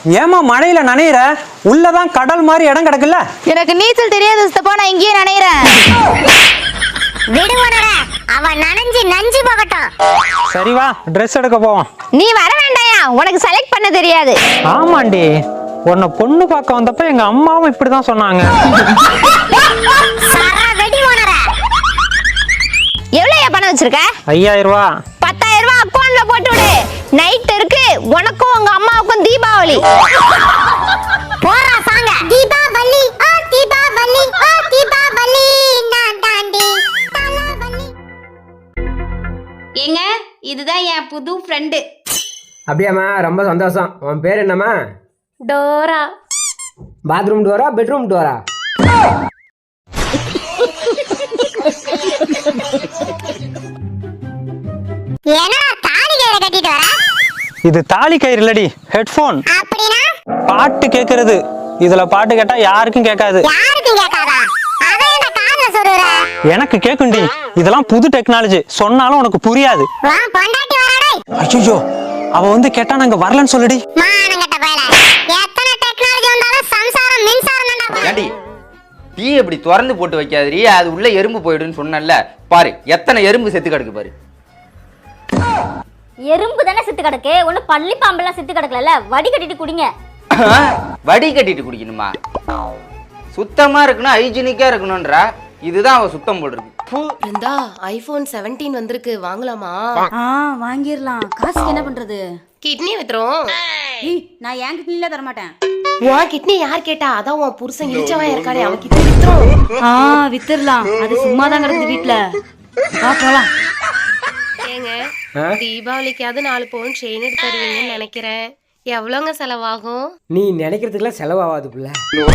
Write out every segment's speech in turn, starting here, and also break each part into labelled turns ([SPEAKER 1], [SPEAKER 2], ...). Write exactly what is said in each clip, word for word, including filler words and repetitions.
[SPEAKER 1] ஏமா மழையில நனையிற? உள்ளதான் கடல் மாதிரி இடம் கிடக்குல்ல.
[SPEAKER 2] எனக்கு நீச்சல் தெரியாது சித்தப்பா, நான் இங்கேயே நனையிறேன்.
[SPEAKER 3] விடுவனடா, அவன் நனைஞ்சு நஞ்சு போகட்டும்.
[SPEAKER 1] சரி வா, ட்ரெஸ் எடுக்க போவோம்.
[SPEAKER 2] நீ வர வேண்டாயா, உனக்கு செலக்ட் பண்ண தெரியாது.
[SPEAKER 1] ஆமாண்டி, உன்னை பொண்ணு பார்க்க வந்தப்ப எங்க அம்மாவும் இப்படிதான் சொன்னாங்க.
[SPEAKER 2] எவ்வளவு பணம் வச்சிருக்க?
[SPEAKER 1] ஐயாயிரம் ரூபா.
[SPEAKER 2] பத்தாயிரம் ரூபாய் அக்கௌண்ட்ல போட்டு விடு. நைட் இருக்கு, உனக்கும் உங்க அம்மாவுக்கும் தீபாவளி.
[SPEAKER 3] போறா சாங்க. தீபாவளி ஆ தீபாவளி ஆ தீபாவளி நான் தாண்டி தலவலி.
[SPEAKER 4] ஏங்க, இதுதான் என் புது ஃப்ரெண்டு.
[SPEAKER 5] அப்படியாம்மா, ரொம்ப சந்தோஷம். உன் பேர் என்னம்மா?
[SPEAKER 4] Dora.
[SPEAKER 5] Bathroom Dora, bedroom Dora?
[SPEAKER 3] என்னடா தாலி கயிறு கட்டிட்டு வர?
[SPEAKER 1] இது தாலி கயிறு இல்லடி, ஹெட்போன்.
[SPEAKER 3] அப்படினா
[SPEAKER 1] பாட்டு கேக்குறது. இதுல பாட்டு கேட்டா யாருக்கும் கேட்காது.
[SPEAKER 3] யாருக்கும் கேட்காதா? அத என்ன காதுல சொல்றற?
[SPEAKER 1] எனக்கு கேக்குண்டி. இதெல்லாம் புது டெக்னாலஜி. சொன்னாலும் உனக்கு புரியாது.
[SPEAKER 3] வா பொண்டாட்டி வரடே.
[SPEAKER 1] ஐயோ, அவ வந்து கேட்டா நாங்க வரலன்னு சொல்லுடி.
[SPEAKER 3] மானங்கட்ட பயல. எத்தனை டெக்னாலஜி வந்தாலும் சம்சாரம் மின்சாரம் தான்டா.
[SPEAKER 6] ஏண்டி டீ இப்படி திறந்து போட்டு வைக்காதீ, அது உள்ள எறும்பு போயிடுன்னு சொன்னல. பாரு எத்தனை எறும்பு செத்து கிடக்கு பாரு.
[SPEAKER 7] எறும்பு தானே செத்து கிடக்கு, ஒண்ணு பள்ளி பாம்பெல்லாம் செத்து கிடக்கல. வடி கட்டிட்டு குடிங்க.
[SPEAKER 6] வடி கட்டிட்டு குடிக்கணுமா? சுத்தமா இருக்கணும், ஹைஜீனிக்கா இருக்கணும்ன்றா. இதுதான் அவ சுத்தம் போடுறது.
[SPEAKER 8] இருந்தா ஐபோன் செவன்டீன் வந்திருக்கு, வாங்கலாமா?
[SPEAKER 7] ஆ வாங்கிரலாம். காசுக்கு என்ன பண்றது?
[SPEAKER 8] கிட்னி வித்துறோம்.
[SPEAKER 7] ஏய், நான் என் கிட்னில தர மாட்டேன்.
[SPEAKER 8] உன் கிட்னி யார் கேட்டா? அதான் உன் புருஷன் இழிச்சவன் இருக்கானே, அவன் கிட்னி வித்துறோம்.
[SPEAKER 7] ஆ வித்துறலாம். அது சும்மா தான் கிடக்குது வீட்ல. வா போலாம்.
[SPEAKER 8] ஏங்க, தீபாவளிக்காவது நாலு பவுன் செயின் எடுத்து தருவீங்கன்னு நினைக்கிறேன். எவ்வளோங்க செலவாகும்?
[SPEAKER 5] நீ நினைக்கிறதுக்குலாம் செலவாகாது புள்ள.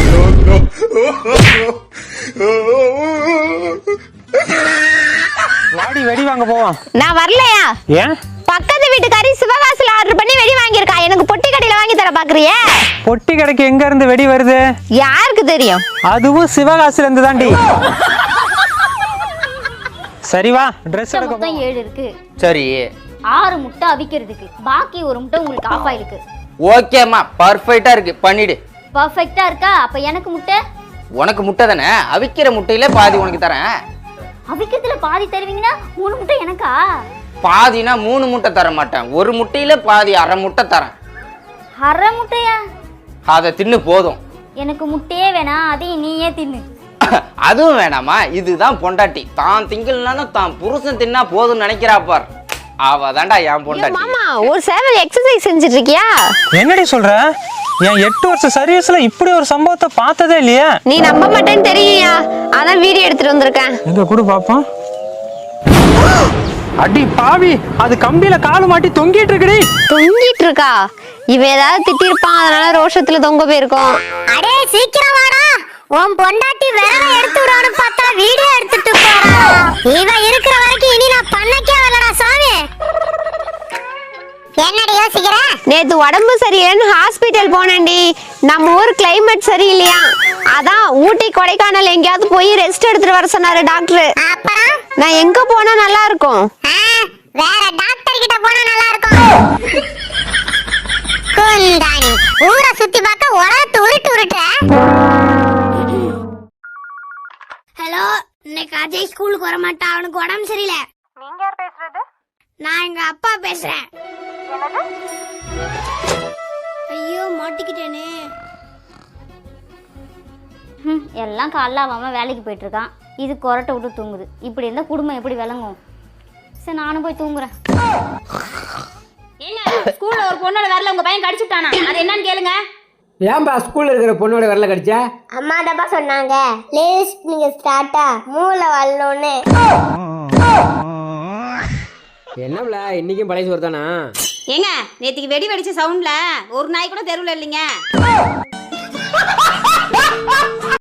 [SPEAKER 1] வாடி, வெடி வாங்க போவோம்.
[SPEAKER 2] நான் வரலையா?
[SPEAKER 1] ஏன்?
[SPEAKER 2] பக்கத்து வீட்டுக்காரி சிவகாசில ஆர்டர் பண்ணி வெடி வாங்கியிருக்கா. எனக்கு பொட்டி கடையில வாங்கி தர பாக்குறியே?
[SPEAKER 1] பொட்டி கடைக்கு எங்க இருந்து வெடி வருது?
[SPEAKER 2] யாருக்கு தெரியும்?
[SPEAKER 1] அதுவும் சிவகாசில இருந்து தாண்டி. சரி வா, ட்ரெஸ் எடுக்க
[SPEAKER 7] மொத்தம்
[SPEAKER 1] போவோம்.
[SPEAKER 7] ஏழு இருக்கு.
[SPEAKER 6] சரி
[SPEAKER 7] ஆறு முட்டை அவிக்கிறதுக்கு, பாக்கி ஒரு முட்டை உங்களுக்கு ஆஃப் ஆயிருக்கு.
[SPEAKER 6] ஓகேம்மா, பர்ஃபெக்டா இருக்கு, பண்ணிடு.
[SPEAKER 7] பர்ஃபெக்ட்டா இருக்கா? அப்ப எனக்கு முட்டை.
[SPEAKER 6] உனக்கு முட்டை தானே, அவிக்கிற முட்டையில பாதி உனக்கு தரேன்.
[SPEAKER 7] அவிக்கிறதுல பாதி தருவீங்கன்னா மூணு முட்டை எனக்கா?
[SPEAKER 6] பாதினா மூணு முட்டை தர மாட்டேன், ஒரு முட்டையில பாதி அரை முட்டை தரேன்.
[SPEAKER 7] அரை முட்டையா?
[SPEAKER 6] அதை தின்னு போதும்.
[SPEAKER 7] எனக்கு முட்டையே வேணாம், அதையும் நீயே தின்னு.
[SPEAKER 6] அதுவும் வேணாமா? இதுதான் பொண்டாட்டி. தான் திங்கல்னாலும் தான் புருஷன் தின்னா போதும்னு நினைக்கிறா பார். அவ தாண்டா என் பொண்டாட்டி.
[SPEAKER 2] மாமா, ஒரு சேவல் எக்ஸசைஸ் செஞ்சுட்டு இருக்கியா?
[SPEAKER 1] என்னடி சொல்ற? என் எட்டு வருஷம் சர்வீஸ்ல இப்படி ஒரு சம்பவத்தை பார்த்ததே இல்லையே.
[SPEAKER 2] நீ நம்ப மாட்டேன்னு தெரியுயா, அதான் வீடியோ எடுத்துட்டு வந்திருக்கேன்.
[SPEAKER 1] எங்க கூட பாப்போம். அடி பாவி, அது கம்பியில காலு மாட்டி தொங்கிட்டு இருக்குடி.
[SPEAKER 2] தொங்கிட்டு இருக்கா? இவ ஏதாவது திட்டிருப்பான், அதனால ரோஷத்துல தொங்க போயிருக்கோம்.
[SPEAKER 3] அடே சீக்கிரம் வாடா. உன் பொண்டாட்டி விரல எடுத்து விடான்னு பார்த்தா வீடியோ எடுத்துட்டு போறா. இவ இருக்கிற வரைக்கும் இனி நான் பண்ணக்கே வரலடா சாமி. என்னடி யோசிக்கிற?
[SPEAKER 2] நேத்து உடம்பு சரியில்லைன்னு ஹாஸ்பிட்டல் போனேன்டி. நம்ம ஊர் கிளைமேட் சரியில்லையா, அதான் ஊட்டி கொடைக்கானல் எங்கேயாவது போய் ரெஸ்ட் எடுத்துட்டு வர சொன்னாரு டாக்டர்.
[SPEAKER 3] அப்புறம்
[SPEAKER 2] நான் எங்க போனா நல்லா இருக்கும்?
[SPEAKER 3] வேற டாக்டர் கிட்ட போனா நல்லா இருக்கும். குந்தாணி ஊரை சுத்தி பார்க்க உலகத்து உருட்டு உருட்டுற. ஹலோ, இன்னைக்கு அஜய் ஸ்கூலுக்கு வர மாட்டான், அவனுக்கு உடம்பு சரியில்லை. நீங்க யார் பேசுறது? நான் எங்க அப்பா பேசுறேன். ஐயோ மாட்டிக்கிட்டேனே.
[SPEAKER 7] ம், எல்லாம் காலைல அவன் வேலைக்கு போயிட்டு இருக்கான். இது கொரட்டை விட்டு தூங்குது. இப்படி இருந்தா குடும்பம் எப்படி விளங்கும்? சரி, நானும் போய் தூங்குறேன். ஏங்க, ஸ்கூல்ல ஒரு பொண்ணோட வரல உங்க பையன் கடிச்சுட்டானா? அது என்னன்னு கேளுங்க.
[SPEAKER 5] ஏன்பா ஸ்கூல்ல இருக்கிற பொண்ணோட வரல கடிச்சா?
[SPEAKER 3] அம்மா தப்பா சொன்னாங்க. லேஸ் நீங்க ஸ்டார்ட்டா மூளை வரலன்னு.
[SPEAKER 5] என்னம்ல இன்னைக்கும் பழைய சோறு தானா?
[SPEAKER 4] ஏங்க, நேத்திக்கு வெடி வெடிச்ச சவுண்ட்ல ஒரு நாய் கூட தெருவுல இல்லைங்க.